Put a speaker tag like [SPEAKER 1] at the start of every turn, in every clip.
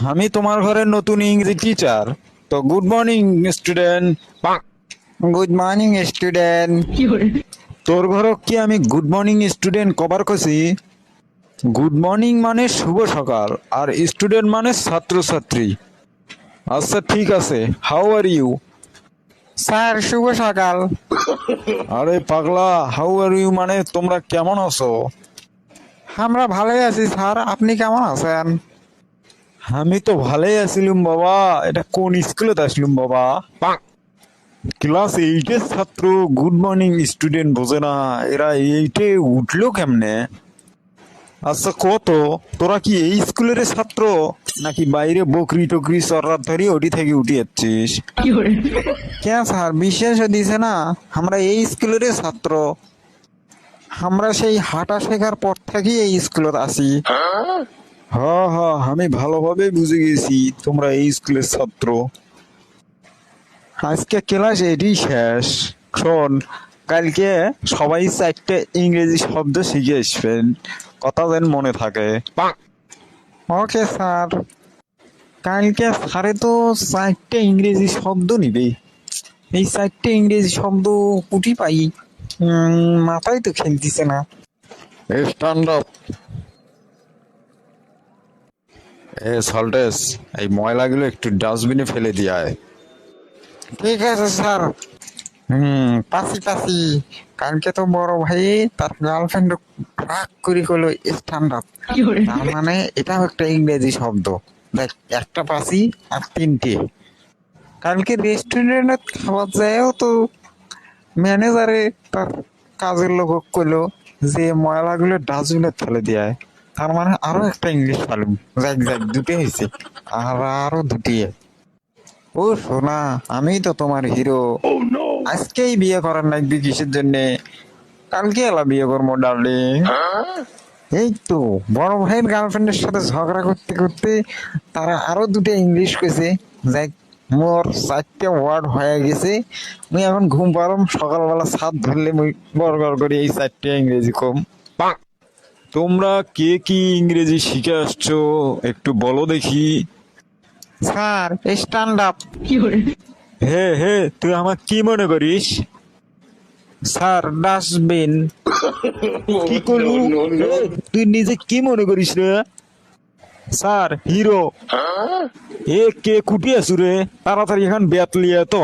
[SPEAKER 1] আমি তোমার ঘরের নতুন ইংরেজি টিচার। তো good morning student. Good morning student. তোর ঘর কি আমি গুড মর্নিং স্টুডেন্ট কভার করছি? গুড মর্নিং মানে শুভ সকাল, আর স্টুডেন্ট মানে ছাত্রছাত্রী। আচ্ছা ঠিক আছে, হাউ আর ইউ? স্যার শুভ সকাল। আরে পাগলা, হাউ আর ইউ মানে তোমরা কেমন আছো? আমরা ভালোই আছি স্যার, আপনি কেমন আছেন? আমি তো ভালোই আছিলাম বাবা। এটা কোন স্কুলে আসলুম বাবা? ক্লাস এইটের ছাত্র গুড মর্নিং স্টুডেন্ট বোঝে না, এরা এইটে উঠলো কেমনে? আচ্ছা কত, তোরা কি এই স্কুলের ছাত্র নাকি বাইরে বকরি টকরি চর্রার ধরি ওটি থেকে উঠে যাচ্ছিস? কেন স্যার বিশেষ দিছে না, আমরা এই স্কুলের ছাত্র। আমরা সেই হাঁটা শেখার পর থেকেই এই স্কুলে আসি। হ হ, আমি ভালোভাবে বুঝে গেছি তোমরা এই স্কুলের ছাত্র। আজকে ক্লাস এটি শেষ। শোন, কালকে সবাই চারটে ইংরেজি শব্দ শিখে আসবেন, কথা যেন মনে থাকে। Okay sir. কালকে স্যারে তো চারটে ইংরেজি শব্দ নিবে। এই চারটে ইংরেজি শব্দ কুটি পাই, মাথায় তো খেলতেছে না। Stand up. সল্টেস, এই ময়লাগুলো একটু ডাস্টবিনে ফেলে দিয়ে আয়। ঠিক আছে স্যার। পাসি পাসি। কালকে তো বড় ভাই তার গার্লফ্রেন্ড রাগ করে কইলো স্ট্যান্ড আপ। তার মানে এটাও একটা ইংরেজি শব্দ। দেখ, একটা পাসি আর তিনটে। কালকে রেস্টুরেন্টে খাবার যায়ও তো ম্যানেজারে তার কাজের লোক কইলো যে ময়লাগুলো ডাস্টবিনে ফেলে দিয়ে আয়। তার মানে আরো একটা ইংলিশ পালুম। যাক যাক, দুটো হয়েছে। আর আরো দুটি। ও সোনা, আমি তো তোমার হিরো। আজকেই বিয়ে করার লাগবে কিসের জন্য? কালকে এলা বিয়ে করবো ডার্লিং। এই তো বড় ভাইয়ের গার্লফ্রেন্ডের সাথে ঝগড়া করতে করতে তারা আরো দুটো ইংলিশ কইছে। যাই, মোর চারটে ওয়ার্ড হয়ে গেছে। মুই এখন ঘুম পারম, সকালবেলা ছাদ ধরলে মুই গড় করে এই চারটে ইংরেজি কম। তোমরা কে কি ইংরেজি শিখে আসছো একটু বলো দেখি। Sir stand up. হে হে, তুই আমার কি মনে করিস? Sir dustbin. কি করলু? তুই নিজে কি মনে করিস রে? Sir hero. এ কে কুটি আছু রে? তাড়াতাড়ি এখন ব্যাট লিয়ে তো।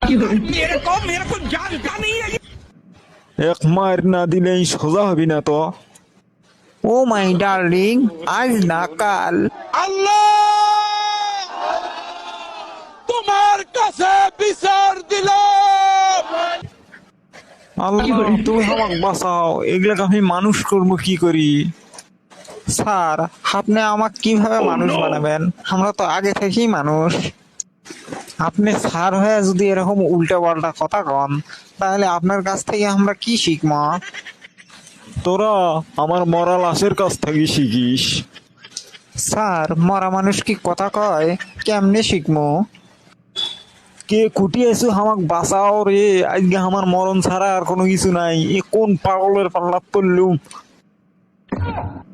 [SPEAKER 1] এক মার না দিলেই সোজা হবি না তো। ও মাই ডার্লিং, আজ না কাল।
[SPEAKER 2] আল্লাহ তোমার কাছে বিচার দিলাম।
[SPEAKER 1] আল্লাহ তুমি আমাকে বাঁচাও, এগুলাকে আমি মানুষ করবো কি করি? স্যার আপনি আমাকে কিভাবে মানুষ বানাবেন? আমরা তো আগে থেকেই মানুষ। আপনি স্যার হয়ে যদি এরকম উল্টা পাল্টা কথা কন, তাহলে আপনার কাছ থেকে আমরা কি শিখবো? তোরা আমার মরা লাশের কাছ থেকে শিখিস। স্যার মরা মানুষ কি কথা কয়? কেমনে শিখবো? কে কুটি আছো, আমাক বাঁচাও রে। আজকে আমার মরণ ছাড়া আর কোনো কিছু নাই। এ কোন পাগলের পাল্লা পড়লুম?